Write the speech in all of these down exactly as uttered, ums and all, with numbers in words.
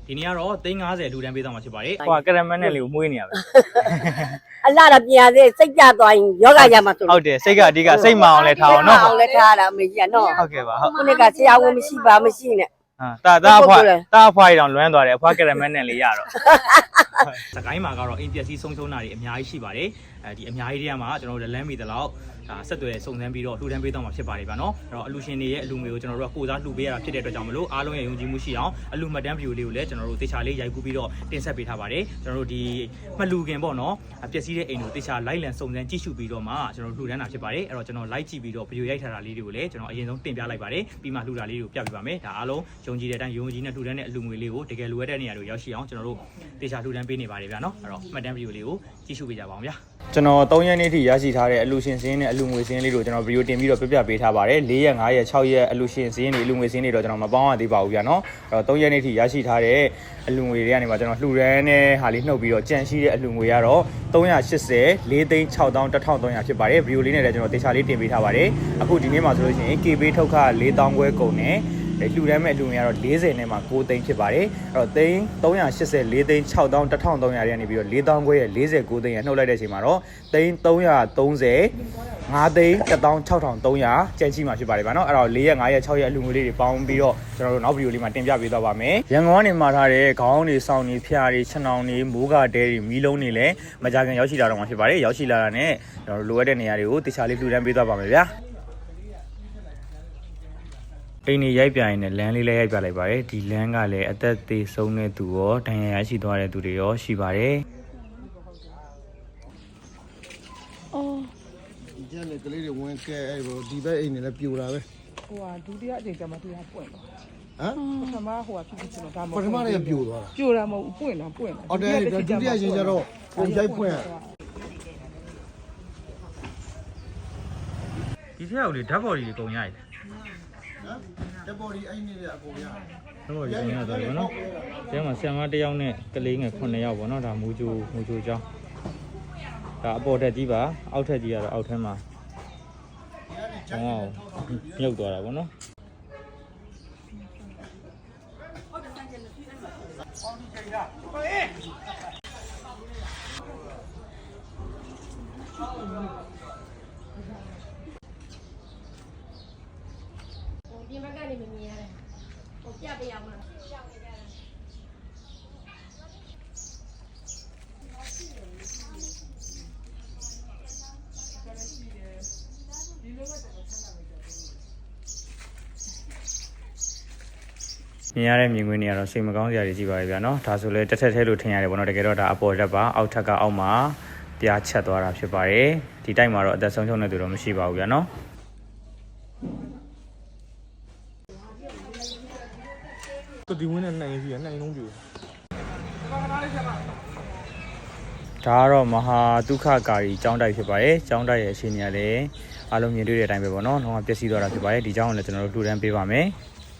ဒီနေ့ကတော့သိန်း၅၀လူတန်းပေးသွားမှာဖြစ်ပါတယ်ဟိုကရမန်နဲ့လေးကိုမွေးနေရပဲအလားတော့ပြန်သေးစိတ်ကြသွားရင်ယောဂရမှာဆိုဟုတ်တယ်စိတ်ကအဓိကစိတ်မအောင်လဲထားအောင်နော်အောင်လဲထားတာအမေကြီးကနော်ဟုတ်ကဲ့ပါဟုတ်ခုနကဆရာဝန်မရှိပါမရှိနဲ့ဟာတာတာအဖွာတာအဖွားတောင်လွမ်းသွားတယ်အဖွားကရမန်နဲ့လေးရတော့စကိုင်းမှာကတော့အိမ်ပျက်စီးဆုံးရှုံးတာတွေအများကြီးရှိပါတယ်အဲဒီအများကြီးတွေကမှကျွန်တော်တို့လမ်းမီတလောက်ဒါဆက်သွယ်စုံစမ်းပြီးတော့လှူဒန်းပေးတော့မှာဖြစ်ပါတယ်ဗျာနော်အဲ့တော့အလူရှင်တွေရဲ့အလူငွေကိုကျွန်တော်တို့ကကိုစားလှူပေးရတာဖြစ်တဲ့အတွက်ကြောင့်မလို့အားလုံးရဲ့ယုံကြည်မှုရှိအောင်အလူမှတ်တမ်းဗီဒီယိုလေးကိုလည်းကျွန်တော်တို့တေချာလေးရိုက်ကူးပြီးတော့တင်ဆက်ပေးထားပါတယ်ကျွန်တော်တို့ဒီမလှူခင်ပေါ့နော်ပျက်စီးတဲ့အိမ်ကိုတေချာလိုက်လံစုံစမ်းကြည့်ရှုပြီးတော့မှကျွန်တော်တို့လှူဒန်းတာဖြစ်ပါတယ်အဲ့တော့ကျွန်တော်လိုက်ကြည့်ပြီးတော့ဗီဒီယိုရိုက်ထားတာလေးတွေကိုလည်းကျွန်တော်အရင်ဆုံးတင်ပြလိုက်ပါတယ်ပြီးမှလှူတာလေးတွေကိုပြပြပါမယ်ဒါအားလုံးယုံကြည်တဲ့အတိုင်းယုံကြည်နဲ့လှူဒန်းတဲ့အလူငွေလေးကိုတကယ်လိုအပ်တဲ့နေရာတွေရောက်ရှိအောင်ကျွန်တော်တို့တေချာလှူဒန်းပေးနေပါတယ်ဗျာနော်အဲ့တော့မှတ်တမ်းဗီဒီယိုလေးကိုကြည့်ရှုပေးကြပါအောင်ဗျာကျွန်တော်၃ရက်နေ့ထိရရှိထားတဲ့အလူရှင်စင်းနဲ့အလူငွေစင်းလေးကိုကျွန်တော်ဗီဒီယိုတင်ပြီးတော့ပြပြပေးထားပါတယ်၄ရက်၅ရက်၆ရက်အလူရှင်စင်းတွေအလူငွေစင်းတွေတော့ကျွန်တော်မပေါင်းရသေးပါဘူးဗျာနော်အဲ့တော့၃ရက်နေ့ထိရရှိထားတဲ့အလူငွေတွေကနေမှကျွန်တော်လှူဒန်းတဲ့ဟာလေးနှုတ်ပြီးတော့ကြန့်ရှိတဲ့အလူငွေကတော့၃၈၀၄သိန်း၆သောင်း၁၃၀၀ဖြစ်ပါတယ်ဗီဒီယိုလေးနဲ့လည်းကျွန်တော်တေချာလေးတင်ပေးထားပါတယ်အခုဒီနေ့မှာဆိုလို့ရှိရင် K ပေးထုတ်ခ၄သောင်းခွဲကုန်နဲ့လှူဒန်းမဲ့လူငွေကတော့၄၀နဲ့မှ၉သိန်းဖြစ်ပါတယ်အဲ့တော့သိန်း၃၈၄သိန်း၆သောင်း၁၃၀၀တွေကနေပြီးတော့၄သောင်းခွဲရဲ့၄၉သိန်းရနှုတ်လိုက်တဲ့အချိန်မှာတော့သိန်း၃၃၀ ၅သိန်း၁သောင်း၆ထောင်၃ရာကျန်ရှိမှာဖြစ်ပါတယ်ဗျာနော်အဲ့တော့၄ရက်၅ရက်၆ရက်အလူငွေလေးတွေပေါင်းပြီးတော့ကျွန်တော်တို့နောက်ဗီဒီယိုလေးမှာတင်ပြပေးသွားပါမယ်ရန်ကုန်ကနေမှာထားတဲ့ခေါင်းတွေစောင်းတွေဖျားတွေခြံောင်တွေမိုးကတဲတွေမီးလုံးတွေလည်းမကြခင်ရောက်ရှိလာတော့မှာဖြစ်ပါတယ်ရောက်ရှိလာတာနဲ့ကျွန်တော်တို့လိုအပ်တဲ့နေရာတွေကိုတခြားလေးလှူဒန်းပေးသွားပါမယ်ဗျာအိမ်နေရိုက်ပြရင်လည်းလမ်းလေးလည်းရိုက်ပြလိုက်ပါတယ်ဒီလမ်းကလည်းအသက်သေးဆုံးတဲ့သူရောဒဏ်ရာရရှိသွားတဲ့သူတွေရောရှိပါတယ်အော်ဒီကျန်တဲ့ကလေးတွေဝင်ကဲအဲ့ဘောဒီဘက်အိမ်နေလည်းပြိုတာပဲဟိုဟာဒုတိယအချိန်ကျမှတရားပွင့်သွားဟမ်ပထမဟိုဟာဖြစ်ဖြစ်ကျွန်တော်ဒါမဟုတ်ပထမလည်းပြိုသွားတာပြိုတာမဟုတ်ပွင့်တာပွင့်တာဟုတ်တယ်ဒုတိယအချိန်ကျတော့ပုံရိုက်ဖွင့်ဒီထက်အောင်လေဓာတ်ပေါ်ကြီးကုန်ရည်တက်ပေါ်ဒီအိမ်နေတဲ့အကုန်ရဓာတ်ပေါ်ကြီးကုန်ရတယ်ဗောနော်ကျမ်းမှာဆရာမတစ်ယောက်နဲ့ကလေးငယ်ခုနှစ်ယောက်ဗောနော်ဒါမူဂျိုမူဂျိုကျောင်းဒါအပေါ်ထက်ကြီးပါအောက်ထက်ကြီးကတော့အောက်ထဲမှာဟောမြုပ်သွားတာဗောနော်ပြင်ဘက်ကနေမမြင်ရတယ်ဟိုပြပေးအောင်မလားပြပေးကြတယ်မြင်ရတဲ့မြင်ကွင်းတွေကတော့စိတ်မကောင်းစရာတွေကြီးပါပဲဗျာနော်ဒါဆိုလဲတစ်ထက်ထဲလို့ထင်ရတယ်ဗောနော်တကယ်တော့ဒါအပေါ်တက်ပါအောက်ထက်ကအောက်မှာပြားချက်သွားတာဖြစ်ပါတယ်ဒီတိုက်မှာတော့အသက်ဆုံးရှုံးတဲ့သူတော့မရှိပါဘူးဗျာနော်ဒီဝင်းနဲ့နိုင်စီကနိုင်လုံးပြိုဒါကတော့မဟာဒုက္ခကာရီကျောင်းတိုက်ဖြစ်ပါတယ်ကျောင်းတိုက်ရဲ့အခြေအနေကလည်းအားလုံးမြင်တွေ့တဲ့အတိုင်းပဲပေါ့နော်တော့ပျက်စီးသွားတာဖြစ်ပါတယ်ဒီကျောင်းကိုလည်းကျွန်တော်တို့လှူဒန်းပေးပါမယ်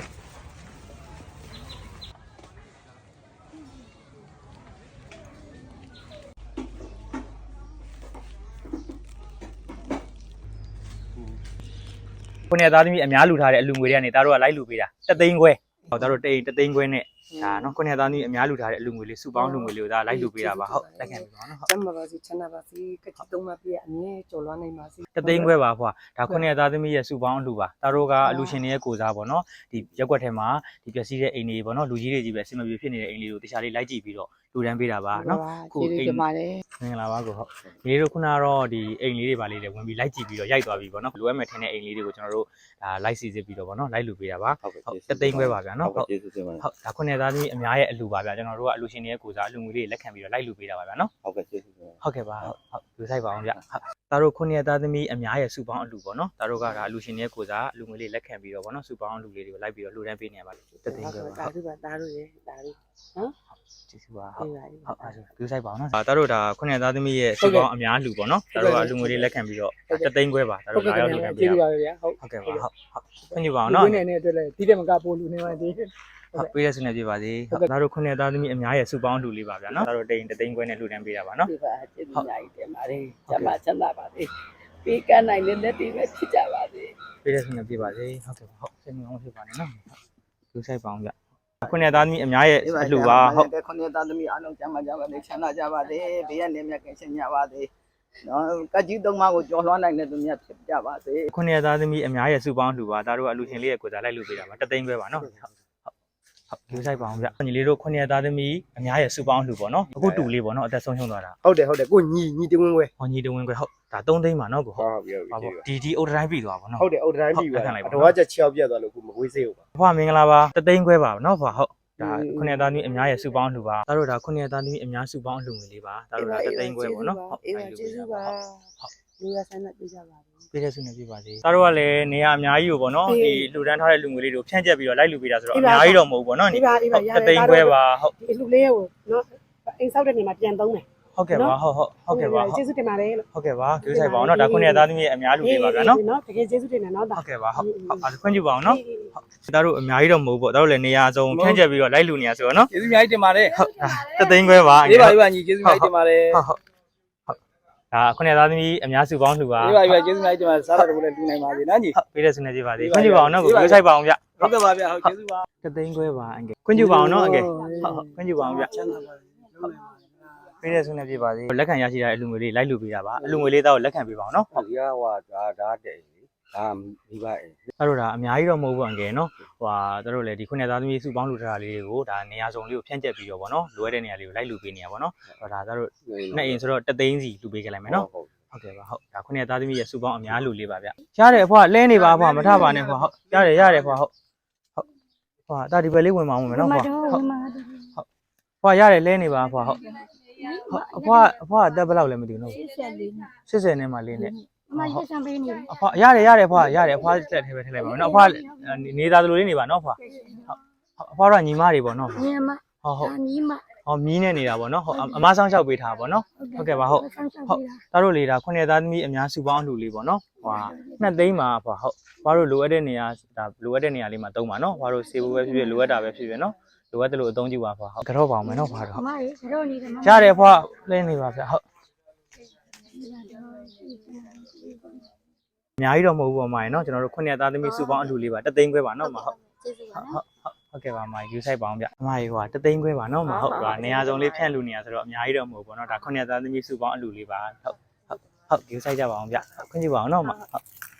ခုနေသားသမီးအများလူထားတဲ့အလူငွေတွေကနေသားတို့ကလိုက်လူပေးတာတသိန်းခွဲဟောသားတို့တိတ်တသိန်းခွဲနဲ့ဒါနော်ခုနေသားသမီးအများလူထားတဲ့အလူငွေလေးစုပေါင်းလူငွေလေးကိုဒါလိုက်လူပေးတာပါဟုတ်လက်ခံပြီပါနော်ဟုတ်ကျမ်းပါပါစီချမ်းသာပါစီကတိသုံးပါပြည့်အမြဲကြော်လွှမ်းနိုင်ပါစီတသိန်းခွဲပါဖွာဒါခုနေသားသမီးရဲ့စုပေါင်းလူပါသားတို့ကအလူရှင်တွေရဲ့ကိုစားပေါ့နော်ဒီရက်ွက်ထဲမှာဒီပျက်စီးတဲ့အိမ်တွေပေါ့နော်လူကြီးတွေကြီးပဲအဆင်မပြေဖြစ်နေတဲ့အိမ်လေးကိုတခြားလေးလိုက်ကြည့်ပြီးတော့လူတန်းပေးတာပါနော်ခုအိမ်ပါတယ်မင်္ဂလာပါကိုဟုတ်ဒီတို့ခုနကတော့ဒီအိမ်လေးတွေပါလေးတွေဝင်ပြီးလိုက်ကြည့်ပြီးတော့ရိုက်သွားပြီပေါ့နော်လိုအပ်မဲ့ထင်းတဲ့အိမ်လေးတွေကိုကျွန်တော်တို့ဒါလိုက်စီစစ်ပြီးတော့ပေါ့နော်လိုက်လူပေးတာပါဟုတ်တသိန်းခွဲပါဗျာနော်ဟုတ်ဟုတ်ဒါခုနေသားသမီးအများရဲ့အလူပါဗျာကျွန်တော်တို့ကအလူရှင်တွေရဲ့ကိုစားအလူငွေလေးလက်ခံပြီးတော့လိုက်လူပေးတာပါဗျာနော်ဟုတ်ကဲ့ကျေးဇူးတင်ဟုတ်ကဲ့ပါဟုတ်ဟုတ်လူဆိုင်ပါအောင်ဗျဟုတ်သားတို့ခုနေသားသမီးအများရဲ့စုပေါင်းအလူပေါ့နော်သားတို့ကဒါအလူရှင်တွေရဲ့ကိုစားအလူငွေလေးလက်ခံပြီးတော့ပေါ့နော်စုပေါင်းအလူလေးတွေကိုလိုက်ပြီးတော့လှူဒန်းပေးနေရပါတသိန်းခွဲပါဒါတို့ပါဒါတို့ရေဒါတို့နော်ကျေးဇူးပါဟုတ်ဟုတ်အဲ့ဒါလူဆိုင်ပါအောင်နော်ဒါတို့ဒါခုနှစ်သားသမီးရဲ့စုပေါင်းအများလူပေါ့နော်ဒါတို့ကလူငွေလေးလက်ခံပြီးတော့တသိန်းခွဲပါဒါတို့လာရောက်လူခံပေးရပါဗျာဟုတ်ဟုတ်ကဲ့ပါဟုတ်ဟုတ်ခွင့်ပြုပါအောင်နော်ဒီနေ့နဲ့အတွက်လည်းဒီတဲ့မကပို့လူနေပါသေးဟုတ်ပေးရဆုနေပြပါစေဒါတို့ခုနှစ်သားသမီးအများရဲ့စုပေါင်းလူလေးပါဗျာနော်ဒါတို့တိန်တသိန်းခွဲနဲ့လူတန်းပေးတာပါနော်ဒီပါကျေးဇူးများကြီးတင်ပါတယ်ကျမချမ်းသာပါစေပေးကနိုင်တဲ့လက်တွေပဲဖြစ်ကြပါစေပေးရဆုနေပြပါစေဟုတ်ကဲ့ဟုတ်စိတ်မကောင်းဖြစ်ပါနဲ့နော်လူဆိုင်ပါအောင်ဗျခုနှစ်သားသမီးအများရဲ့အလှပါဟုတ်ကဲခုနှစ်သားသမီးအားလုံးကျမ်းမာကြပါစေချမ်းသာကြပါစေဘေးရနေမြတ်ကင်းရှင်းကြပါစေနော်ကကြီးသုံးပါးကိုကြော်လွှမ်းနိုင်တဲ့သူများဖြစ်ကြပါစေခုနှစ်သားသမီးအများရဲ့စုပေါင်းအလှပါဒါတို့ကအလှရှင်လေးရဲ့ကိုယ်စားလိုက်လို့ပေးတာပါတသိန်းပဲပါနော်ဟုတ်ဟုတ်ဒီဆိုင်ပါအောင်ဗျညီလေးတို့ခုနှစ်သားသမီးအများရဲ့စုပေါင်းအလှပေါ့နော်အခုတူလေးပေါ့နော်အသက်ဆုံးရှုံးသွားတာဟုတ်တယ်ဟုတ်တယ်ကိုညီညီတဝင်းခွဲဟောညီတဝင်းခွဲဟုတ်ဒါသုံးသိန်းပါနော်ကိုဟုဟုတ်တ်ပြီဟုတ်ပြီဒီဒီအုတ်တိုင်းပြီးသွားပါနော်ဟုတ်တယ်အုတ်တိုင်းပြီပါတော့ချက်ချောက်ပြတ်သွားလို့ကိုမကွေးစေးဘူးပါဘွားမင်္ဂလာပါတသိန်းခွဲပါနော်ဘွားဟုတ်ဒါခုနှစ်သားသမီးအများရဲ့စုပေါင်းအလှပါဒါတို့ဒါခုနှစ်သားသမီးအများစုပေါင်းအလှငွေလေးပါဒါတို့ဒါတသိန်းခွဲပေါ့နော်ဟုတ်အေးပါကျေးဇူးပါလူရဆန်းနဲ့ပြကြပါဘူးပြည့်တဲ့ဆုနဲ့ပြပါစေဒါတို့ကလည်းနေရာအများကြီးကိုပေါ့နော်ဒီလှူဒန်းထားတဲ့လူငွေလေးတွေကိုဖြန့်ကျက်ပြီးတော့လိုက်လူပေးတာဆိုတော့အများကြီးတော့မဟုတ်ဘူးပေါ့နော်ဒီပါဒီပါရတယ်တသိန်းခွဲပါဟုတ်ဒီလူလေးကိုနော်အိမ်ဆောက်တဲ့နေမှာပြန်သုံးတယ်ဟုတ်ကဲ့ပါဟုတ်ဟုတ်ဟုတ်ကဲ့ပါကျေးဇူးတင်ပါတယ်လို့ဟုတ်ကဲ့ပါကြိုးဆိုင်ပါအောင်နော်ဒါခုနှစ်သားသမီးရဲ့အများလူပေးပါဗျာနော်နော်တကယ်ကျေးဇူးတင်တယ်နော်ဒါဟုတ်ကဲ့ပါဟုတ်ဟုတ်အားခွင့်ပြုပါအောင်နော်ဟုတ်ဒါတို့အများကြီးတော့မဟုတ်ဘူးပေါ့ဒါတို့လည်းနေရာစုံဖြန့်ကျက်ပြီးတော့လိုက်လူနေရဆိုတော့နော်ကျေးဇူးအများကြီးတင်ပါတယ်ဟုတ်တသိန်းခွဲပါဒီပါဒီပါညီကျေးဇူးအများကြီးတင်ပါတယ်ဟုတ်ဟုတ်ဒါခုနှစ်သားသမီးအများစုပေါင်းလှူပါဒီပါဒီပါကျေးဇူးအများကြီးတင်ပါတယ်စားတာတို့လည်းလူနိုင်ပါစေနော်ညီဟုတ်ပေးတဲ့ဆုနဲ့ပြပါစေခွင့်ပြုပါအောင်နော်ကိုကြိုးဆိုင်ပါအောင်ဗျဟုတ်ကဲ့ပါဗျာဟုတ်ကျေးဇူးပါတသိန်းခွဲပါအငယ်ခွင့်ပြုပါအောင်နော်အငယ်ဟုတ်ဟုတ်ခွင့်ပြုပါအောင်ဗျချမ်းသာပါစေလုံးနိုင်ပါပေးတဲ့ဆုနဲ့ပြပါစေလက်ခံရရှိတဲ့အလူငွေလေးလိုက်လူပေးတာပါအလူငွေလေးတော့လက်ခံပေးပါအောင်နော်ဟုတ်ရဟွာဒါဒါတဲ့လေဒါမိဘအိမ်အဲ့တော့ဒါအများကြီးတော့မဟုတ်ဘူးအငယ်နော်ဟိုဟာတို့လည်းဒီခုနှစ်သားသမီးစုပေါင်းလူထားတာလေးတွေကိုဒါနေရာစုံလေးကိုဖြန့်ကျက်ပြီးတော့ဗောနော်လိုအပ်တဲ့နေရာလေးကိုလိုက်လူပေးနေရပါတော့ဟောဒါတို့နှစ်အိမ်ဆိုတော့တသိန်းစီလူပေးကြလိုက်မယ်နော်ဟုတ်ကဲ့ပါဟုတ်ဒါခုနှစ်သားသမီးရဲ့စုပေါင်းအများလူလေးပါဗျရတယ်အဖွားလဲနေပါအဖွားမထပါနဲ့ဖွားဟုတ်ရတယ်ရတယ်ဖွားဟုတ်ဟုတ်ဖွားဒါဒီဘက်လေးဝင်ပါအောင်မယ်နော်ဖွားဟုတ်ဟုတ်ဖွားရတယ်လဲနေပါဖွားဟုတ်ဟုတ်အဖွားအဖွားအသက်ဘယ်လောက်လဲမသိဘူးနော်၈၀နဲ့မှလေးနဲ့အမရက်ဆံပေးနေတယ်အဖွားရတယ်ရတယ်ဖွားရတယ်အဖွားတက်ထဲပဲထည့်လိုက်ပါမယ်နော်အဖွားနေသားသလိုလေးနေပါနော်ဖွားဟုတ်အဖွားတော့ညီမတွေပေါ့နော်ညီမဟုတ်ဟုတ်အညီမဟောမီးနဲ့နေတာပေါ့နော်ဟုတ်အမဆောင်းလျှောက်ပေးထားပါပေါ့နော်ဟုတ်ကဲ့ပါဟုတ်ဟုတ်ဒါတို့လေဒါခုနှစ်သားသမီးအများစုပေါင်းအလှလေးပေါ့နော်ဟွာနှစ်သိန်းပါဖွာဟုတ်ဘာလို့လိုအပ်တဲ့နေရာဒါလိုအပ်တဲ့နေရာလေးမှာတုံးပါနော်ဘာလို့စေဖို့ပဲဖြစ်ဖြစ်လိုအပ်တာပဲဖြစ်ဖြစ်နော်လိုအပ်တယ်လို့အသုံးပြုပါဖွာဟုတ်ကြော့ပါအောင်မယ်နော်ဖွာတော့အမရေတော့နေတယ်မရတယ်ဖွာလဲနေပါဗျဟုတ်အများကြီးတော့မဟုတ်ဘူးပါမရေနော်ကျွန်တော်တို့ခုနှစ်သားသမီးစုပေါင်းအလှလေးပါတသိန်းခွဲပါနော်မဟုတ်ကျေးဇူးပါဟုတ်ဟုတ်ကဲ့ပါမယူဆိုင်ပါအောင်ဗျအမကြီးဟိုတသိန်းခွဲပါနော်မဟုတ်ပါနေရာစုံလေးဖြန့်လူနေရဆိုတော့အများကြီးတော့မဟုတ်ဘူးเนาะဒါခုနှစ်သားသမီးစုပေါင်းအလူလေးပါဟုတ်ဟုတ်ဟုတ်ယူဆိုင်ကြပါအောင်ဗျခွင့်ပြုပါအောင်နော်မဟုတ်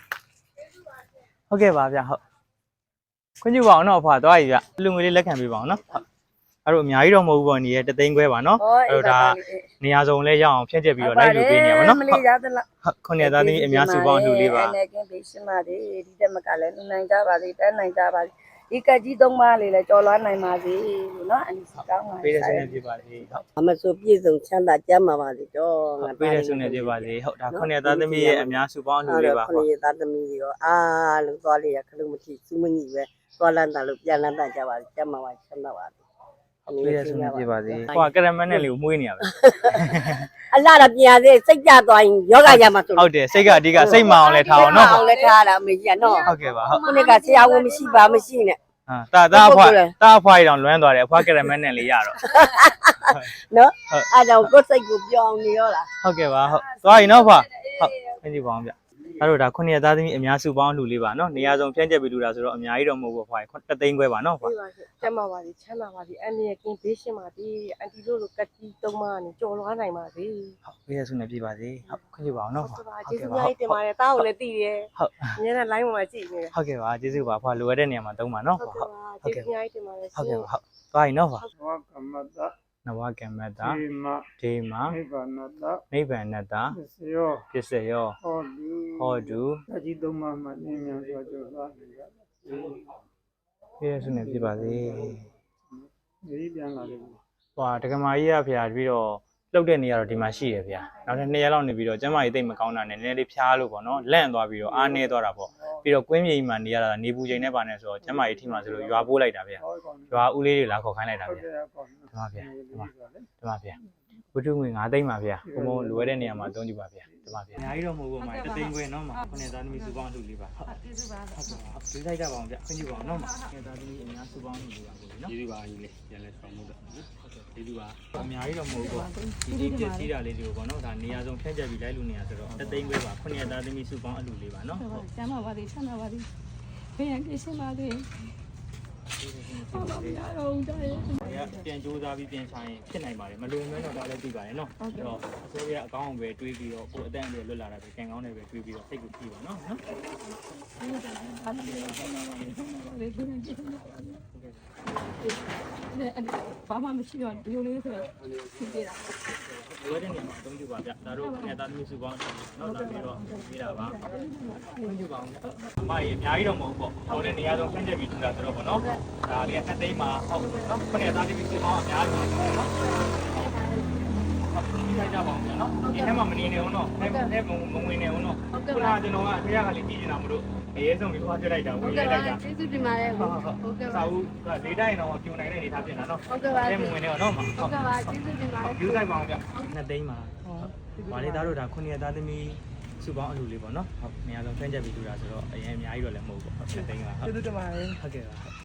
ဟုတ်ကဲ့ပါဗျဟုတ်ခွင့်ပြုပါအောင်နော်အဖွာသွားပြီဗျလူငွေလေးလက်ခံပေးပါအောင်နော်ဟုတ်အဲ့တော့အများကြီးတော့မဟုတ်ဘူးပေါ့နေရတသိန်းခွဲပါနော်အဲ့တော့ဒါနေရာစုံလေးရအောင်ဖြန့်ကျက်ပြီးတော့လိုက်လူပေးနေရပါနော်မလေးရသလားဟုတ်ခုနှစ်သားသမီးအများစုပေါင်းအလူလေးပါအနေကင်းပေးရှင်းပါစေဒီတက်မကလည်းနိုင်ကြပါစေတန်းနိုင်ကြပါစေဒီကကြီးသုံးပါးလေးလည်းကြော်လွှမ်းနိုင်ပါစေလို့နော်အန်ဒီကောင်းပါပေးတဲ့ဆုနဲ့ပြပါစေဟုတ်အမဆိုပြည့်စုံချမ်းသာကြမ်းပါပါစေတော့ငါပေးတဲ့ဆုနဲ့ပြပါစေဟုတ်ဒါခုနှစ်သားသမီးရဲ့အများစုပေါင်းအလူလေးပါခုဟုတ်နှစ်သားသမီးတွေရောအားလုံးသွားလေးရခလုံးမထိစူးမကြီးပဲသွားလန်းတာလို့ပြန်လန်းတာကြပါစေကြမ်းပါပါချမ်းသာပါစေပေးတဲ့ဆုနဲ့ပြပါစေဟိုကကရမန်နဲ့လေးကိုမှုေးနေရပဲအလားတော့ပြန်စေစိတ်ကြသွားရင်ယောဂရမှာဆိုဟုတ်တယ်စိတ်ကအဓိကစိတ်မအောင်လဲထားအောင်နော်အောင်လဲထားတာအမေကြီးကနော်ဟုတ်ကဲ့ပါဟုတ်ခုနှစ်ကဆရာဝန်မရှိပါမရှိနဲ့ဟာတာတာအဖွားတာအဖွားရအောင်လွမ်းသွားတယ်အဖွားကရမန်နဲ့လေးရတော့နော်အဲ့တော့ကိုယ်စိတ်ကိုပြောင်းနေရောလားဟုတ်ကဲ့ပါဟုတ်သွားရင်နော်ဖွားဟုတ်ခင်းကြည့်ပါအောင်ဗျအဲ့တော့ဒါခုနှစ်သားသမီးအများစုပေါင်းအလှလေးပါနော်နေရာစုံဖြန့်ကျက်ပြီးလူတာဆိုတော့အများကြီးတော့မဟုတ်ဘူးဖွားတသိန်းခွဲပါနော်ဖွားပြပါစေကျမ်းပါပါစေချမ်းသာပါစေအန်ဒီရဲ့ကင်းဘေးရှင်းပါစေအန်တီတို့လိုကတိသုံးပါးနဲ့ကြော်လွှားနိုင်ပါစေဟုတ်ပေးတဲ့ဆုနဲ့ပြပါစေဟုတ်ခင်းကြည့်ပါအောင်နော်ဖွားဟုတ်ပါကျေးဇူးများတင်ပါတယ်တားကိုလည်းတည်တယ်ဟုတ်အများနဲ့ line ပေါ်မှာကြည့်နေတယ်ဟုတ်ကဲ့ပါကျေးဇူးပါဖွားလိုအပ်တဲ့နေရာမှာသုံးပါနော်ဟုတ်ဖွားကဲ့ပါကျေးဇူးများတင်ပါတယ်ဟုတ်ကဲ့ပါဟုတ်သွားရင်နော်ဖွားဝကမတနဝကမ္မတာဒီမဒေမနိဗ္ဗာနတနိဗ္ဗာန်တသယောပစ္စယောဟောတုဟောတုအကြီးသုံးပါးမှနင်းမြန်စွာကြောသွားနေကြပြည့်စုံနေပြပါစေဒီပြန်လာတယ်ဟွာတက္ကမကြီးရဖော်ပြီးတော့လှုပ်တဲ့နေရာတော့ဒီမှာရှိရဖော်နောက်ထပ်နှစ်ရက်လောက်နေပြီးတော့ကျမကြီးတိတ်မကောင်းတာနဲ့နည်းနည်းလေးဖျားလို့ပေါ့နော်လန့်သွားပြီးတော့အားနေသွားတာပေါ့ပြီးတော့ကွင်းမြေကြီးမှာနေရတာနေပူချိန်နဲ့ပါနေဆိုတော့ကျမကြီးထိမှဆိုလို့ရွာပိုးလိုက်တာဖော်ရွာဦးလေးတွေလာခေါ်ခိုင်းလိုက်တာဖော်ဒီမှာဖော်ဒီမှာဒီမှာဖော်ဝတ္ထုငွေ၅သိန်းပါဖော်ဘုံဘုံလိုရတဲ့နေရာမှာအသုံးကြပါဖော်ဒီမှာဖော်အများကြီးတော့မဟုတ်ဘူးမှာတသိန်းခွဲနော်မှာခုနှစ်သားသမီးစုပေါင်းအလှလေးပါဟုတ်ကျေးဇူးပါဟုတ်ကဲ့ပါဒီလိုက်ကြပါအောင်ဗျခွင့်ပြုပါအောင်နော်မှာခုနှစ်သားသမီးအများစုပေါင်းအလှလေးပါကိုနော်ကျေးဇူးပါကြီးလေပြန်လဲဆောင်မှုတော့ဟုတ်ကဲ့ကျေးဇူးပါအများကြီးတော့မဟုတ်ဘူးဒီဒီပြည့်စည်တာလေးတွေကိုပေါ့နော်ဒါနေရာစုံဖြန့်ကျက်ပြီးလိုက်လို့နေရဆိုတော့တသိန်းခွဲပါခုနှစ်သားသမီးစုပေါင်းအလှလေးပါနော်ဟုတ်ကျမ်းပါပါစေချမ်းသာပါစေဘယ်ရန်ကိစ္စပါစေဟုတ်ပါဘူးအားလုံးတိုင်းပြန်ကြိုးစားပြီးပြန်ဆိုင်ဖြစ်နိုင်ပါတယ်မလွန်မဲတော့ဒါလည်းသိပါတယ်နော်အဲ့တော့အစိုးရအကောင်းအပဲတွေးပြီးတော့ကိုယ်အတန်းအရွယ်လွတ်လာတာပဲကံကောင်းတယ်ပဲတွေးပြီးတော့စိတ်ကိုကြည့်ပါနော်နော်ဘာမှမရှိတော့ဒီလိုလေးဆိုတော့ဖြစ်နေတာဝဲတဲ့နေရာမှာအသုံးပြုပါဗျဒါတို့နဲ့သားသမီးစုပေါင်းနော်ဒါပြီးတော့ပြီးတာပါအသုံးပြုပါအောင်အမကြီးအများကြီးတော့မဟုတ်ပေါ့ဟိုတဲ့နေရာဆုံးဆင်းချက်ပြီးထူတာဆိုတော့ပေါ့နော်ဒါလေးအသိမ်းမှာဟုတ်နော်ခဏသားသမီးစုပေါင်းအများကြီးပေါ့နော်ဒီကြပါအောင်နော်ဒီထဲမှာမနေနေအောင်နော်အဲအဲမမဝင်နေအောင်နော်ခုနကကျွန်တော်ကအဖေကလည်းကြည့်နေတာမလို့အရေးဆုံးပြီးခွာပြလိုက်တာဝင်လိုက်တာကျေးဇူးတင်ပါတယ်ဟုတ်ဟုတ်ကဲ့ပါစာဦးကလေးတိုင်းတော့ပြိုနိုင်တဲ့အနေထားပြင်တာနော်ဟုတ်ကဲ့ပါအဲမဝင်နေအောင်နော်ဟုတ်ဟုတ်ကဲ့ပါကျေးဇူးတင်ပါတယ်ယူလိုက်ပါအောင်ဗျနှစ်သိန်းပါဟုတ်ဗာလေးသားတို့ဒါခုနှစ်ရက်သားသမီးစုပေါင်းအလူလေးပေါ့နော်ဟုတ်အများဆုံးဖန်ချက်ပြီးထူတာဆိုတော့အရင်အများကြီးတော့လည်းမဟုတ်ဘူးပေါ့နှစ်သိန်းပါဟုတ်ကျေးဇူးတင်ပါတယ်ဟုတ်ကဲ့ပါ